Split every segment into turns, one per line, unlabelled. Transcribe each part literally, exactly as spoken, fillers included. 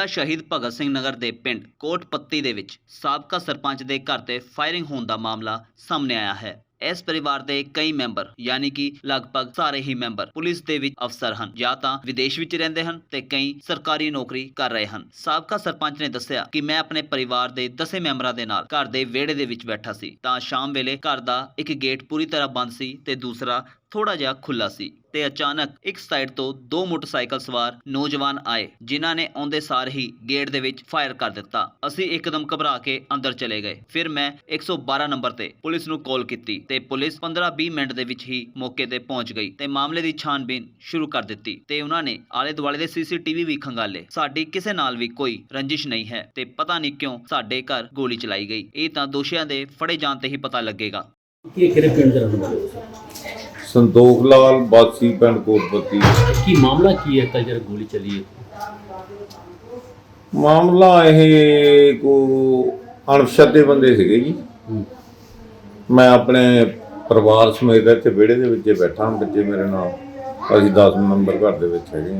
ਜ਼ਿਲ੍ਹਾ ਸ਼ਹੀਦ ਭਗਤ ਸਿੰਘ ਨਗਰ ਦੇ ਪਿੰਡ ਕੋਟ ਪੱਤੀ ਦੇ ਵਿੱਚ ਸਾਬਕਾ ਸਰਪੰਚ ਦੇ ਘਰ ਤੇ ਫਾਇਰਿੰਗ ਹੋਣ ਦਾ ਮਾਮਲਾ ਸਾਹਮਣੇ ਆਇਆ ਹੈ। ਇਸ ਪਰਿਵਾਰ ਦੇ ਕਈ ਮੈਂਬਰ ਯਾਨੀ ਕਿ ਲਗਭਗ ਸਾਰੇ ਹੀ ਮੈਂਬਰ ਪੁਲਿਸ ਦੇ ਵਿੱਚ ਅਫਸਰ ਹਨ ਜਾਂ ਤਾਂ ਵਿਦੇਸ਼ ਵਿੱਚ ਰਹਿੰਦੇ ਹਨ ਤੇ ਕਈ ਸਰਕਾਰੀ ਨੌਕਰੀ ਕਰ ਰਹੇ ਹਨ। ਸਾਬਕਾ ਸਰਪੰਚ ਨੇ ਦੱਸਿਆ ਕਿ ਮੈਂ ਆਪਣੇ ਪਰਿਵਾਰ ਦੇ ਦਸੇ ਮੈਂਬਰਾਂ ਦੇ ਨਾਲ ਘਰ ਦੇ ਵਿਹੜੇ ਦੇ ਵਿੱਚ ਬੈਠਾ ਸੀ ਤਾਂ ਸ਼ਾਮ ਵੇਲੇ ਘਰ ਦਾ ਇੱਕ ਗੇਟ ਪੂਰੀ ਤਰ੍ਹਾਂ ਬੰਦ ਸੀ ਤੇ ਦੂਸਰਾ ਥੋੜਾ ਜਿਹਾ ਖੁੱਲਾ ਸੀ ਤੇ ਅਚਾਨਕ ਇੱਕ ਸਾਈਡ ਤੋਂ ਦੋ ਮੋਟਰਸਾਈਕਲ ਸਵਾਰ ਨੌਜਵਾਨ ਆਏ ਜਿਨ੍ਹਾਂ ਨੇ ਆਉਂਦੇ ਸਾਰ ਹੀ ਗੇਟ ਦੇ ਵਿੱਚ ਫਾਇਰ ਕਰ ਦਿੱਤਾ। ਅਸੀਂ ਇੱਕਦਮ ਘਬਰਾ ਕੇ ਅੰਦਰ ਚਲੇ ਗਏ। ਫਿਰ ਮੈਂ ਇੱਕ ਸੌ ਬਾਰਾਂ ਨੰਬਰ ਤੇ ਪੁਲਿਸ ਨੂੰ ਕਾਲ ਕੀਤੀ ਤੇ ਪੁਲਿਸ ਪੰਦਰਾਂ ਵੀਹ ਮਿੰਟ ਦੇ ਵਿੱਚ ਹੀ ਮੌਕੇ ਤੇ ਪਹੁੰਚ ਗਈ ਤੇ ਮਾਮਲੇ ਦੀ ਛਾਣਬੀਨ ਸ਼ੁਰੂ ਕਰ ਦਿੱਤੀ ਤੇ ਉਹਨਾਂ ਨੇ ਆਲੇ ਦੁਆਲੇ ਦੇ ਸੀਸੀਟੀਵੀ ਵੀ ਖੰਗਾਲੇ। ਸਾਡੀ ਕਿਸੇ ਨਾਲ ਵੀ ਕੋਈ ਰੰਜਿਸ਼ ਨਹੀਂ ਹੈ ਤੇ ਪਤਾ ਨਹੀਂ ਕਿਉਂ ਸਾਡੇ ਘਰ ਗੋਲੀ ਚਲਾਈ ਗਈ। ਇਹ ਤਾਂ ਦੋਸ਼ੀਆਂ ਦੇ ਫੜੇ ਜਾਣ ਤੇ ਹੀ ਪਤਾ ਲੱਗੇਗਾ।
ਇਹ ਕਿਹੜੇ ਪਿੰਡ ਦੇ ਰਹਿਣ ਵਾਲੇ ਹੋ?
संतोख लाल बासी पिंड कोटपत्ती।
की मामला की है कल जब गोली चली है?
मामला ये को अणपछाते बंदे सीगे जी। मैं अपने परिवार समेत इत्थे विहड़े दे विच बैठा हां, बच्चे मेरे नाल असीं दस नंबर घर दे विच हैगे।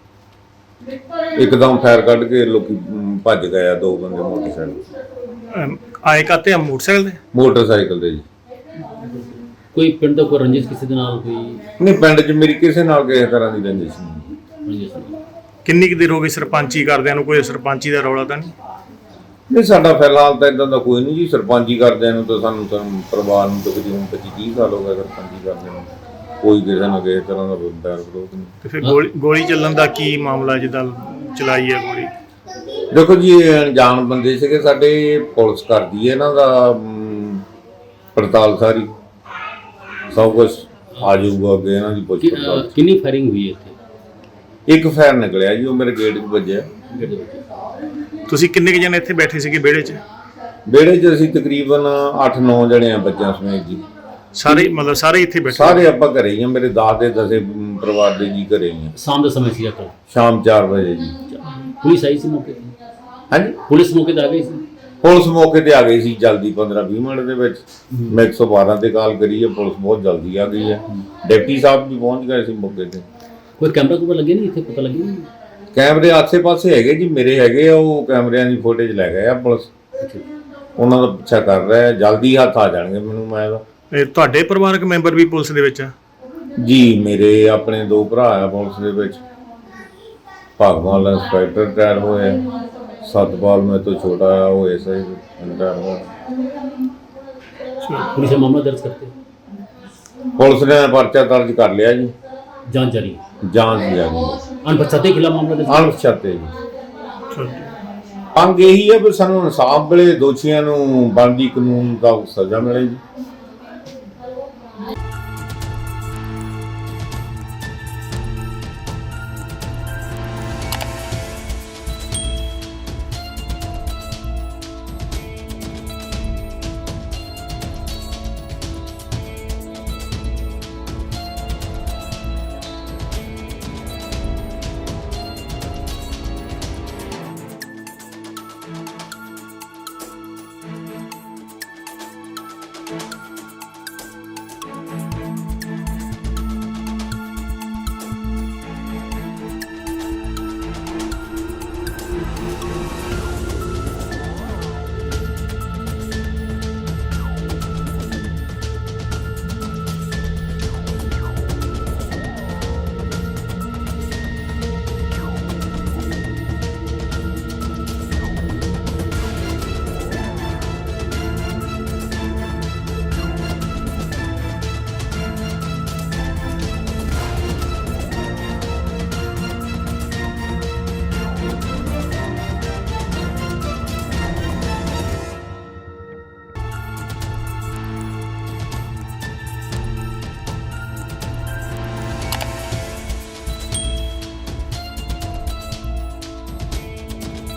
एकदम फायर कढ के लोकी भज गए, दो बंदे मोटरसाइकिल
आए काते हम मोटरसाइकिल दे
मोटरसाइकिल दे जी।
कोई पिंड दा कोई रंजिश किसी दे नाल कोई
नहीं, पिंड च मेरी किसी नाल किसी तरह की रंजिश नहीं।
रंजिश नहीं।
किन्नी कुछ देर हो गई सरपंची करदिਆਂ ਨੂੰ? ਕੋਈ ਸਰਪੰਚੀ ਦਾ ਰੌਲਾ ਤਾਂ ਨਹੀਂ?
नहीं, साडा फिलहाल तो इदां दा कोई नहीं जी। सरपंची करदिਆਂ ਨੂੰ ਤਾਂ ਸਾਨੂੰ ਤਾਂ ਪਰਿਵਾਰ ਨੂੰ ਤਕਰੀਬਨ पच्चीस तीस साल हो गए सरपंची करदिਆਂ ਨੂੰ। ਕੋਈ ਕਿਸੇ ਨਾ ਕਿਸੇ ਤਰ੍ਹਾਂ ਦਾ ਬੈਰ ਵਿਰੋਧ ਨਹੀਂ।
ਤੇ ਫਿਰ ਗੋਲੀ ਗੋਲੀ ਚੱਲਣ ਦਾ ਕੀ ਮਾਮਲਾ ਜਿੱਦਾਂ ਚਲਾਈ ਹੈ ਗੋਲੀ?
ਦੇਖੋ ਜੀ, ਇਹ ਅਣਜਾਣ ਬੰਦੇ ਸੀਗੇ ਸਾਡੇ। ਪੁਲਿਸ ਕਰਦੀ ਹੈ ਇਹਨਾਂ ਦਾ ਪੜਤਾਲ ਸਾਰੀ, सब कुछ आ जाऊगा अगे इन्हां दी पुछ पड़ताल।
कितनी फायरिंग हुई है इत्थे?
एक फायर निकलिया जी, वो मेरे गेट च वज्जिया।
ਤੁਸੀਂ ਕਿੰਨੇ ਕੁ ਜਣੇ ਇੱਥੇ ਬੈਠੇ ਸੀਗੇ ਵਿਹੜੇ 'ਚ?
ਵਿਹੜੇ 'ਚ ਅਸੀਂ ਤਕਰੀਬਨ ਅੱਠ ਨੌ ਜਣੇ ਆ ਬੱਚਿਆਂ ਸਮੇਤ ਜੀ।
ਸਾਰੇ ਮਤਲਬ ਸਾਰੇ ਇੱਥੇ ਬੈਠੇ?
ਸਾਰੇ ਆਪਾਂ ਘਰੇ ਹੀ ਆ। ਮੇਰੇ ਦਾਸ ਦੇ ਦਸੇ ਪਰਿਵਾਰ ਦੇ ਜੀ ਘਰੇ ਹੀ ਆ।
शाम का समय सी कल
शाम चार बजे जी।
पुलिस आई सी मौके ते?
हाँ जी,
पुलिस मौके ते आ गई सी?
पुलिस मौके ਤੇ ਆ ਗਈ ਸੀ ਜਲਦੀ पंद्रह बीस मिनट ਦੇ ਵਿੱਚ। ਮੈਂ एक सौ बारह ਤੇ ਕਾਲ ਕਰੀ ਹੈ, ਪੁਲਿਸ ਬਹੁਤ ਜਲਦੀ ਆ ਗਈ ਹੈ। ਡਿਪਟੀ ਸਾਹਿਬ ਵੀ ਪਹੁੰਚ ਗਏ ਸੀ ਮੌਕੇ ਤੇ।
ਕੋਈ ਕੈਮਰਾ ਕੋਲ ਲੱਗੇ ਨਹੀਂ ਇੱਥੇ? ਪਤਾ ਲੱਗੇ ਨਹੀਂ?
ਕੈਮਰੇ ਆਸੇ-ਪਾਸੇ ਹੈਗੇ ਜੀ, ਮੇਰੇ ਹੈਗੇ ਆ। ਉਹ ਕੈਮਰਿਆਂ ਦੀ ਫੁਟੇਜ ਲੈ ਗਏ ਆ ਪੁਲਿਸ। ਉਹਨਾਂ ਦਾ ਪਿੱਛਾ ਕਰ ਰਿਹਾ ਹੈ, ਜਲਦੀ ਹੱਥ ਆ ਜਾਣਗੇ ਮੈਨੂੰ। ਮੈਂ
ਇਹ ਤੁਹਾਡੇ ਪਰਿਵਾਰਕ ਮੈਂਬਰ ਵੀ ਪੁਲਿਸ ਦੇ ਵਿੱਚ ਆ
ਜੀ? ਮੇਰੇ ਆਪਣੇ ਦੋ ਭਰਾ ਆ ਪੁਲਿਸ ਦੇ ਵਿੱਚ। ਭਗਵਾਨ ਦਾ ਇੰਸਪੈਕਟਰ ਰਿਟਾਇਰ ਹੋਇਆ, सतपाल में तो छोटा है वो ऐसा ही रिटायर हुआ।
पुलिस मामला दर्ज करते?
पुलिस ने पर्चा दर्ज कर लिया जी।
जांच जारी?
जांच जारी।
अनपछाते के खिलाफ मामला दर्ज?
अनपछाते जी। अंग यही है भी सानू इंसाफ मिले, दोषियों नूं बनदी कानून दा सज़ा मिले जी।